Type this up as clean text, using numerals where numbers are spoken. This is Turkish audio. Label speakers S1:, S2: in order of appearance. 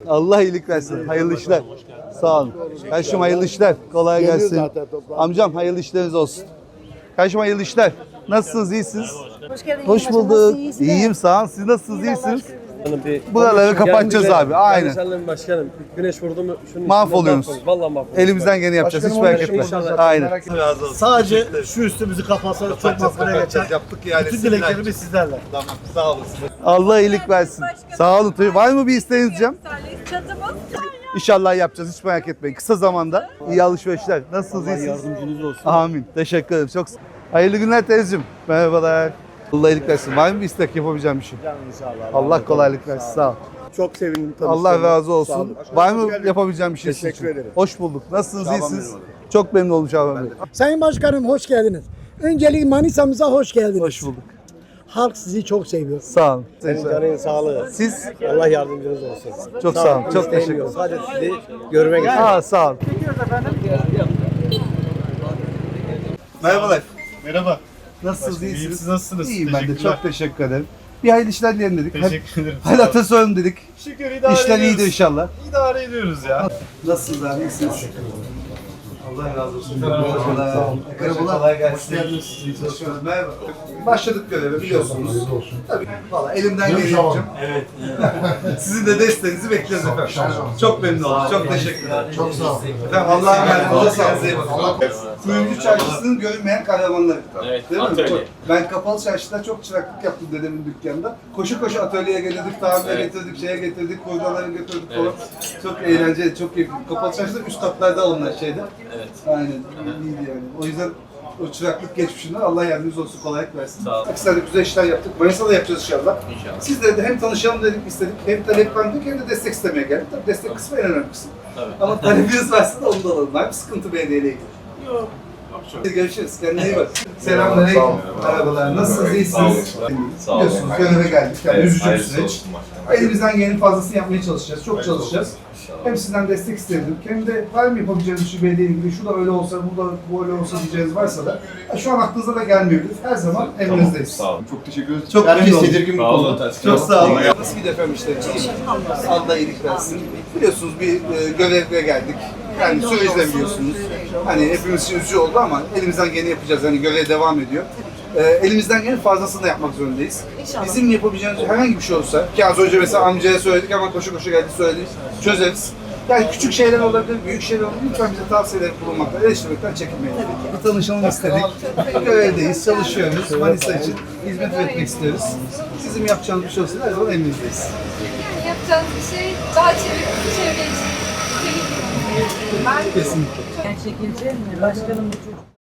S1: Allah iyilik versin. Hayırlı işler. Sağ olun. Kardeşim hayırlı işler. Kolay gelsin. Amcam hayırlı işleriniz olsun. Kardeşim hayırlı işler. Nasılsınız? İyisiniz?
S2: Hoş geldiniz.
S1: Hoş bulduk. İyiyim sağ olun. Siz nasılsınız? İyisiniz? Buraları kapatacağız abi. Aynen.
S3: Aynen. Başkanım güneş vurdu mu şunun
S1: Mahvoluyorsunuz.
S3: Vallahi mahvoluyoruz.
S1: Elimizden geleni yapacağız. Hiç merak etme. Aynen.
S4: Sadece şu üstümüzü kapatsanız çok makbule geçer.
S1: Yaptık yani.
S4: Bütün dileklerimiz sizlerle.
S1: Tamam. Sağ olasın. Allah iyilik versin. Sağ olun. Var mı bir isteğiniz Cem?
S2: Çatımız
S1: İnşallah yapacağız. Hiç merak etmeyin. Kısa zamanda iyi alışverişler. Nasılsınız? İyisiniz?
S4: Yardımcınız olsun.
S1: Amin. Teşekkür ederim. Çok hayırlı günler teyzeciğim. Merhabalar. Allah iyilik versin. Var mı bir istek yapabileceğim bir şey?
S4: İnşallah.
S1: Allah kolaylık versin. Sağ ol.
S4: Çok sevindim tanıştığıma.
S1: Allah razı
S4: Sağ
S1: olsun.
S4: olun.
S1: Var mı yapabileceğim bir şey sizin
S4: Teşekkür
S1: için?
S4: ederim.
S1: Hoş bulduk. Nasılsınız? İyisiniz? Çok memnun oldum Şaban Bey.
S5: Sayın Başkanım hoş geldiniz. Öncelikle Manisa'mıza hoş geldiniz.
S1: Hoş bulduk.
S5: Halk sizi çok seviyor.
S1: Sağ olun.
S4: Senin canın sağlığı.
S1: Siz
S4: Allah yardımcınız olsun.
S1: çok sağ olun. Çok teşekkür ederim.
S4: Sadece sizi görmek istedim.
S1: Sağ olun. Merhabalar.
S6: Merhaba.
S1: Nasılsınız?
S6: İyiyim,
S1: İyisiniz?
S6: siz nasılsınız?
S1: İyiyim ben de.
S6: Teşekkürler.
S1: Çok teşekkür ederim. Bir hayırlı işler dilerim dedik.
S6: Teşekkür ederim.
S1: Hadi atasözüm dedik.
S6: Şükür idare
S1: İşler
S6: ediyoruz.
S1: iyidir inşallah.
S6: İdare ediyoruz ya.
S1: Nasılsınız abi? İyisiniz? Allah razı olsun. Merhabalar. Kolay gelsin. Hoş geldiniz. Merhaba. Başladık göreve biliyorsunuz. Tabii. Valla elimden geleni yapacağım. Evet. Sizin de desteğinizi bekliyoruz efendim. Çok memnun oldum. Çok teşekkür ederim. Çok sağ olun. Efendim Allah'a emanet olun. Kendinize iyi bakın. Kuyumcu Çarşısı'nın görünmeyen kahramanları. Evet. Değil mi? Ben kapalı çarşıda çok çıraklık yaptım dedemin dükkanında. Koşu koşu atölyeye gelirdik, tamire getirdik, şeye getirdik, kurdaları götürdük falan. Çok eğlenceli, çok keyifli. Kapalı çarşıda üst katlarda onlar şeyde. Evet. Aynen. İyiydi yani. O yüzden o çıraklık geçmişinden Allah yardımcınız olsun, kolaylık versin. Sağ olun. Akhisar'da güzel işler yaptık. Manisa'da yapacağız inşallah. İnşallah. Sizle de hem tanışalım dedik, istedik, hem taleplendik hem de destek istemeye geldik. Tabii destek kısmı en önemli kısım. Tabii. Ama talebiniz varsa da onu da alalım. Var mı sıkıntı belediyeyle ilgili? Yok. Görüşürüz. Kendine iyi bak. Selamünaleyküm. Merhabalar. Nasılsınız? İyisiniz? Sağ olun. Biliyorsunuz göreve geldik. Yani üzücü bir süreç. Elimizden gelenin fazlasını yapmaya çalışacağız. Çok çalışacağız. Hem sizden destek istedim. Hem de var mı yapabileceğiniz şu belediye ilgili, şu da öyle olsa, bu da böyle olsa diyeceğiniz varsa da şu an aklınıza da gelmiyordur. Her zaman emrinizdeyiz.
S6: Sağ olun. Çok teşekkür ederiz.
S1: Çok
S6: Herkes
S1: memnun oldum.
S6: tedirgin bir konu.
S1: Çok sağ olun. Nasıl gidiyor efendim işleriniz? Allah iyilik versin. Biliyorsunuz bir görevle geldik. Yani süreçle biliyorsunuz. Hani hepimiz için üzücü oldu ama elimizden geleni yapacağız. Hani görev devam ediyor. Elimizden gelen fazlasını da yapmak zorundayız. Bizim yapabileceğimiz herhangi bir şey olsa, ki az önce mesela amcaya söyledik ama koşu koşu geldi söyledik, çözeriz. Yani küçük şeyler olabilir, büyük şeyler olabilir. Lütfen bize tavsiyeler bulunmaktan, eleştirmekten çekinmeyin. Bir tanışalım istedik. Görevdeyiz, çalışıyoruz. Manisa için hizmet etmek istiyoruz. Sizin yapacağınız bir şey olsa her zaman elinizdeyiz.
S2: Yani yapacağınız bir şey daha çevre için.
S1: Kesinlikle.
S7: Çekileceğim mi? Başkanım bu çocuk.